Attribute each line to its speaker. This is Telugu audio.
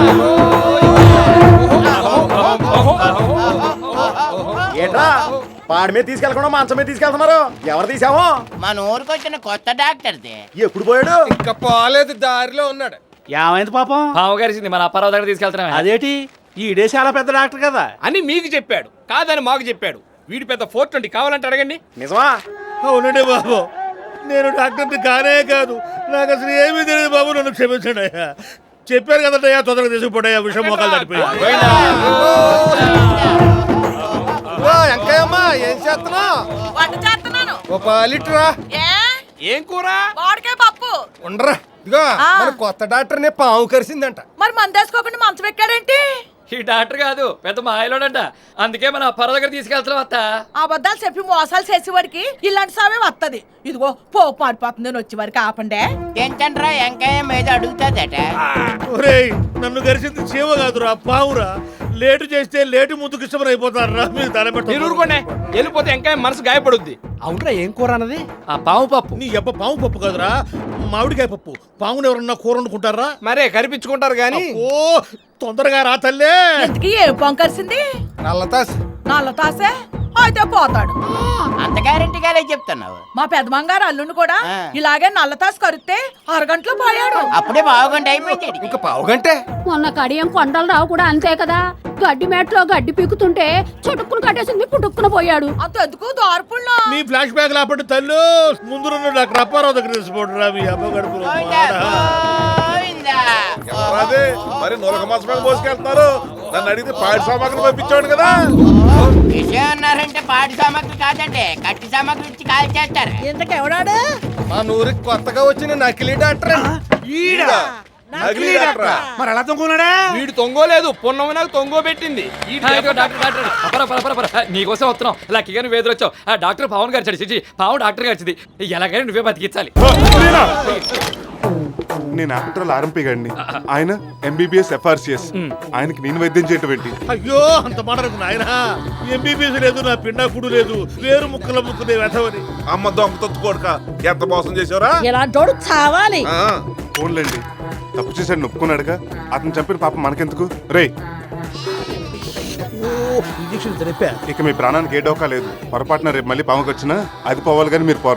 Speaker 1: ఏట్రా పాడి మీద తీసుకెళ్ళకుండా మంచం మీద తీసుకెళ్తున్నారు? ఎవరు తీసామో?
Speaker 2: మన ఊరికి వచ్చిన కొత్త డాక్టర్ది.
Speaker 1: ఎప్పుడు పోయాడు?
Speaker 3: ఇంకా పోలేదు, దారిలో ఉన్నాడు.
Speaker 4: ఏమైంది పాపం?
Speaker 5: పాము గారిసింది, మన అప్పారావు దగ్గర తీసుకెళ్తున్నాం.
Speaker 4: అదేటి ఈడే చాలా పెద్ద డాక్టర్ కదా
Speaker 3: అని మీకు చెప్పాడు, కాదని మాకు చెప్పాడు. వీడి పెద్ద 420 కావాలంటే అడగండి.
Speaker 1: నిజమా?
Speaker 6: అవునండి బాబు, నేను డాక్టర్ని కానే కాదు, నాకు అసలు ఏమీ తెలియదు బాబు, నన్ను క్షమించండి అయ్యా. చెప్పారు కదయ్యా, తొందరగా తీసుకుపోయా, విషయం మోకాలు తడిపోయా.
Speaker 3: ఎంకయ్యమ్మా ఏం చేస్తున్నావు?
Speaker 7: వంట చేస్తున్నాను.
Speaker 3: ఓ పాలిట్రా.
Speaker 5: ఏం కూర?
Speaker 7: మామిడికాయ పప్పు.
Speaker 3: ఉండరా, ఇదిగో మన కొత్త డాక్టర్నే పాము కరిసిందంట.
Speaker 7: మరి మందేసుకోకుండా మంచం ఎక్కాడేంటి?
Speaker 5: ఈ డాక్టర్ కాదు, పెద్ద మాయలోడంట. అందుకే మన అప్పారావు దగ్గర తీసుకెళ్తున్నాం. అత్త
Speaker 7: అబద్ధాలు చెప్పి మోసాలు చేసేవాడికి ఇలాంటి సామే వస్తది. ఇదిగో పోపు మారిపోతుంది, వచ్చేవారికి ఆపండే.
Speaker 2: ఏంటంట్రా ఎంకాయ మీద అడుగుతాదట.
Speaker 6: ఒరేయ్, నన్ను గరిచింది చీమ కాదురా, పావురా. లేటు చేస్తే లేటు ముందుకు ఇష్టమని అయిపోతారా మీరు? తల
Speaker 3: మీరు ఊరుకోండి, వెళ్ళిపోతే ఎంకాయ మనసు గాయపడుద్ది. అవునరా, ఏం కూర అన్నది?
Speaker 5: ఆ పాము పప్పు.
Speaker 6: నీ అబ్బ పాము పప్పు కాదురా, మామిడికాయ పప్పు. పాముని ఎవరన్నా కూర వండుకుంటారా?
Speaker 3: మరే కరిపించుకుంటారు గాని.
Speaker 6: ఓ తొందరగా రా తల్లే.
Speaker 7: ఎందుకు ఏం పొంకరిసింది?
Speaker 3: నల్లతాస్.
Speaker 7: నల్ల తాసే అయితే పోతాడు.
Speaker 2: అంత గ్యారెంటీగానే చెప్తున్నావు.
Speaker 7: మా పెద్దమంగారు అల్లుని కూడా
Speaker 2: ఆ.
Speaker 7: ఇలాగే నల్ల తాసు కరిస్తే అరగంటలో పోయాడు.
Speaker 2: అప్పుడే బాగుండి అయిపోయింది.
Speaker 3: ఇంకా పావుగంటే.
Speaker 8: మొన్న కడియం కొండలరావు కూడా అంతే కదా, గడ్డి మేటలో గడ్డి పీకుతుంటే చుట్టుకుని కట్టేసింది, పుట్టుక్కున పోయాడు.
Speaker 7: అంతెందుకు దార్పుల్లో
Speaker 6: మీ ఫ్లాష్ బ్యాక్ లాపండి తల్లు. ముందు డాక్టర్ అప్పారావు దగ్గర తీసుకోండి రా, మీ అమ్మ గడుపులో.
Speaker 9: మరి నొలక మాసమే మోసుకెళ్తున్నారు. నన్ను అడిగితే పాడి సామాగ్రి పంపించాడు కదా.
Speaker 2: విషయం అన్నారంటే పాడి సామాగ్రి కాదండి, కట్టి సామాగ్రి ఇచ్చి కాల్ చేస్తారు.
Speaker 7: ఇంతకెవడాడు?
Speaker 3: మా నూరికి కొత్తగా వచ్చిన నకిలీ డాక్టర్.
Speaker 9: నకిలీ డాక్టరా?
Speaker 4: మరి ఎలా తొంగున్నాడా?
Speaker 3: వీడు తొంగోలేదు, పొన్నమ నాకు తొంగో పెట్టింది.
Speaker 5: నీకోసం వస్తున్నాం. లక్కీగా వేదులు వచ్చావు. ఆ డాక్టర్ పవన్ గారు చడిచి పాము డాక్టర్ గారిది. ఎలాగైనా నువ్వే బతికించాలి.
Speaker 9: నేను ఆఫ్టర్ ఆర్ఎంపీ గారిని, ఆయన ఎంబీబీఎస్ FRCS. ఆయనకి నేను వైద్యం చేయటం ఏంటి?
Speaker 6: అయ్యో అంత మాటకు నాయన. ఎంబీబీఎస్ లేదు, నా పిండాకుడు లేదు, వేరు ముక్కల ముక్కునే వెతవని.
Speaker 9: అమ్మ దొంగ తొత్తుకోడుక, ఎంత మోసం చేసావురా?
Speaker 7: ఇలాంటోడు చావాలి.
Speaker 9: ఫోన్లేండి, తప్పు చేశాడు నొప్పుకున్నాడుగా. అతను చంపిన పాపం మనకెందుకు? రే,
Speaker 6: ఇంజక్షన్ తెలిపా.
Speaker 9: ఇక మీ ప్రాణానికి ఏ డోకా లేదు. పొరపాటున రేపు మళ్ళీ పాముకి వచ్చినా అది పోవాలి, కానీ మీరు